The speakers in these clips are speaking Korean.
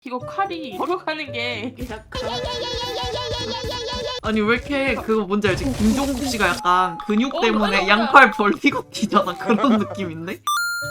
이거 칼이 걸어가는 게 약간 아니 왜 이렇게 그거 뭔지 알지? 김종국 씨가 약간 근육 때문에 맞아. 양팔 벌리고 뛰잖아. 그런 느낌인데?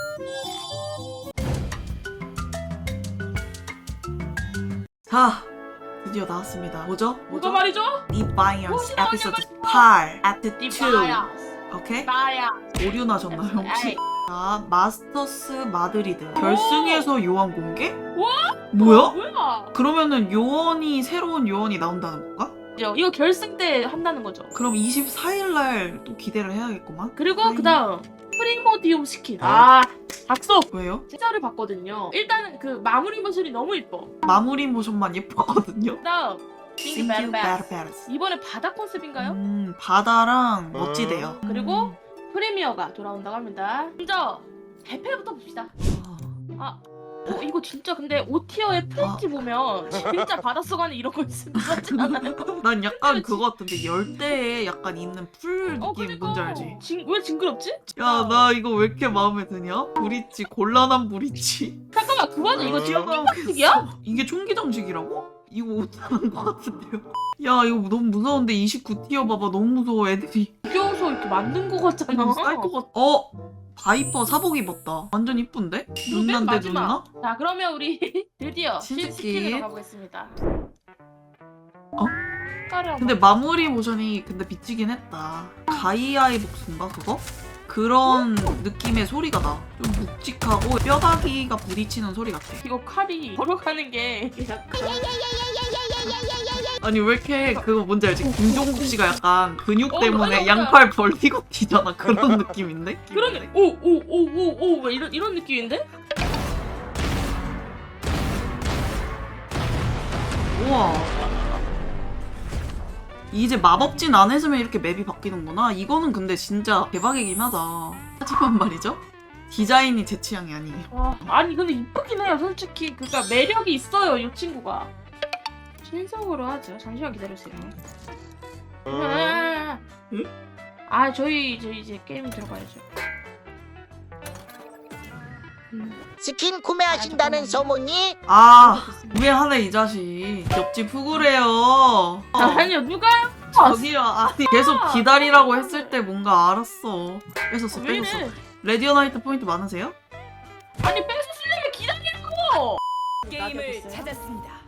자, 드디어 나왔습니다. 뭐죠? 뭐가 말이죠? Defiance 나오냐, 에피소드 8 Act 2. 디바야스 오케이? 나야 오류 나셨나요 혹시? 에이. 자, 마스터스 마드리드 결승에서 요원 공개? 와? 뭐야? 뭐야? 그러면은 요원이 새로운 요원이 나온다는 건가? 이거 결승 때 한다는 거죠. 그럼 24일날 또 기대를 해야겠구만. 그리고 그다음 프리모디움 스킨. 아 박수. 왜요? 진짜를 봤거든요. 일단은 그 마무리 모션이 너무 이뻐. 마무리 모션만 예뻤거든요. 그다음 싱크 Thank you, 베르베스. 베르베스. 이번에 바다 컨셉인가요? 바다랑 멋지대요. 그리고 프리미어가 돌아온다고 합니다. 먼저 대패부터 봅시다. 아, 이거 진짜 근데 5티어의 프렌치 보면 진짜 바닷속 안에 이런 거 있으면 좋지 않아요? 난 약간 그거 같은데 열대에 약간 있는 풀 느낌 뭔지 알지? 왜 징그럽지? 야, 나 이거 왜 이렇게 마음에 드냐? 브릿지, 곤란한 브릿지. 잠깐만 그거는 이거 지금 깜짝이야. 틱이야? 이게 총기 장식이라고? 이거 못하는 것 같은데요? 야, 이거 너무 무서운데 29티어 봐봐. 너무 무서워 애들이. 귀여워서 이렇게 만든 거 같잖아. 쌀것 같아. 바이퍼 사복 입었다. 완전 이쁜데? 맨 눈난데 마지막. 눈나? 자 그러면 우리 드디어 신스킨. 신스킨으로 가보겠습니다. 어? 근데 마무리 모션이 근데 미치긴 했다. 가이아의 복수인가 그거? 그런 느낌의 소리가 나. 좀 묵직하고 뼈다귀가 부딪히는 소리 같아. 이거 칼이 걸어가는 게 약간 아니 왜 이렇게 그거 뭔지 알지? 김종국 씨가 약간 근육 때문에 맞아. 양팔 벌리고 뛰잖아. 그런 느낌인데? 그러네. 오오오오오 왜 이런 느낌인데? 우와. 이제 마법진 안 했으면 이렇게 맵이 바뀌는구나. 이거는 근데 진짜 대박이긴 하다. 하지만 말이죠. 디자인이 제 취향이 아니에요. 와, 아니 근데 이쁘긴 해요 솔직히. 그러니까 매력이 있어요 이 친구가. 신속으로 하죠. 잠시만 기다려주세요. 응? 아 저희 이제 게임 들어가야죠. 스킨 구매하신다는 소문이 아, 우회하네 이 자식. 옆집 후구래요. 아니요 누가요? 저기요. 아니 계속 기다리라고 했을 때 뭔가 알았어. 뺏었어 왜 뺏었어. 이래? 레디오나이트 포인트 많으세요? 아니 뺏으려면 기다리라고. 게임을 찾았습니다.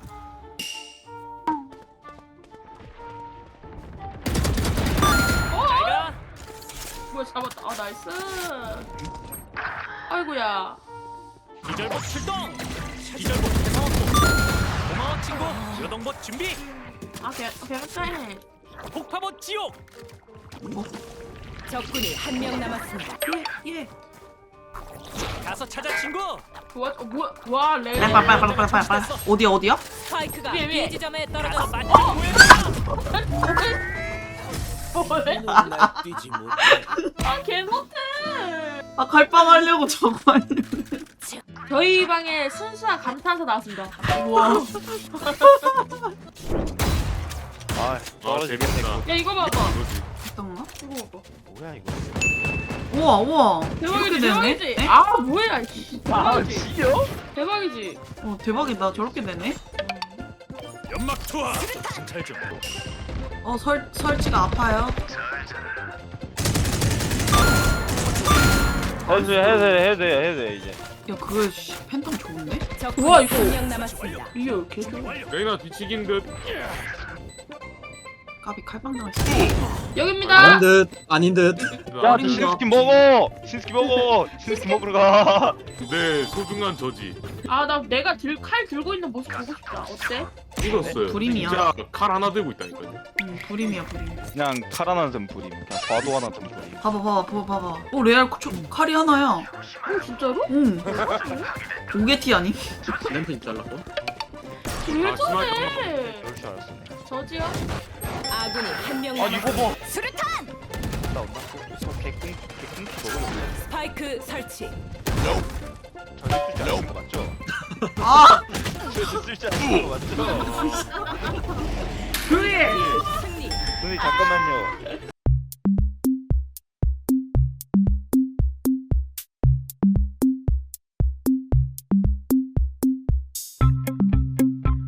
뭐야 잡았다. 아 나이스. 아이고야. 기절복 출동! 기절복 대상업고 고마워 친구! 여동봇 준비! 아 개쎄. 폭파봇 지옥! 적군이 한 명 남았습니다. 예. 가서 찾아 친구! 좋아. 뭐야? 와 레. 빨빨빨빨빨빨. 어디야? 스파이크가 위에. B 지점에 가서 떨어졌습니다. 맞짱 뭐래? 뛰지 못해 아 개못해. 아 갈빵 하려고 저거 하려고. 저희 방에 순수한 감탄사 나왔습니다. 우와. 아 재밌다. 야 이거 봐봐. 이거지. 잠깐만. 이거 봐봐. 뭐야 이거? 우와. 대박이지 이렇게 되네? 대박이지. 에? 아 뭐야 이씨. 대박이지. 대박이지. 대박이다. 저렇게 되네. 연막 투하! 정찰 좀 설치가 아파요. 해도 돼 이제. 야 그거 팬텀 좋은데? 적군이 우와, 이거. 한 명 남았습니다. 이게 왜 이렇게 좋아? 완료! 레이나 뒤치긴 듯. 까비 칼빵 당했어. 여기입니다. 아닌 듯 아닌 듯. 야, 어린가? 신스킨 먹어. 신스킨 먹어. 신스킨 먹으러 가. 내 소중한 저지 아 나 내가 칼 들고 있는 모습 보고 싶다. 어때? 익었어요. 불임이야. 진짜 칼 하나 들고 있다니까요. 불임이야 불임. 그냥 칼 하나 든 불임. 그냥 과도 하나 든 불임. 봐봐. 레알 칼이 하나야. 어 진짜로? 응. 오게티 아니? 램프 잘랐고. 왜 아, 저래? 그럴 줄 알았어. 저지요? 아군이 한 명 아 이거 남았습니다. 봐. 수류탄! 온다. 저 개꿍 먹으려고. 스파이크 설치. 저기 쓸줄 아는 거 맞죠? 아 저기 쓸줄 아는 거 맞죠? 그래. 승리. 선생님 잠깐만요.